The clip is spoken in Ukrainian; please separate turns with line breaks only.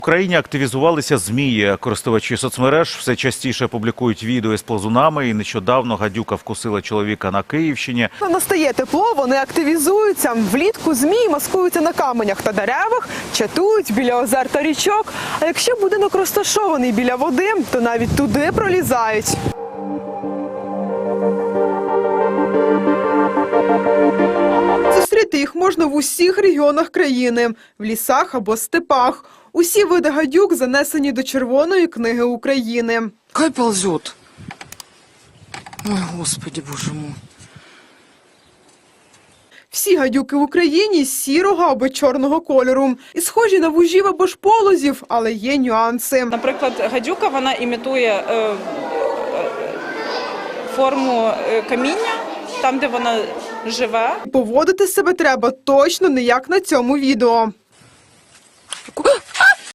В Україні активізувалися змії. Користувачі соцмереж все частіше публікують відео з ползунами. І нещодавно гадюка вкусила чоловіка на Київщині.
Настає тепло, вони активізуються. Влітку змії маскуються на каменях та деревах, чатують біля озер та річок. А якщо будинок розташований біля води, то навіть туди пролізають. Зустріти їх можна в усіх регіонах країни – в лісах або степах. Усі види гадюк занесені до Червоної книги України.
Хай ползет. Ой, Господи, Боже мой.
Всі гадюки в Україні сірого або чорного кольору. І схожі на вужів або ж полозів, але є нюанси.
Наприклад, гадюка, вона імітує форму каміння, там, де вона живе.
Поводити себе треба точно не як на цьому відео.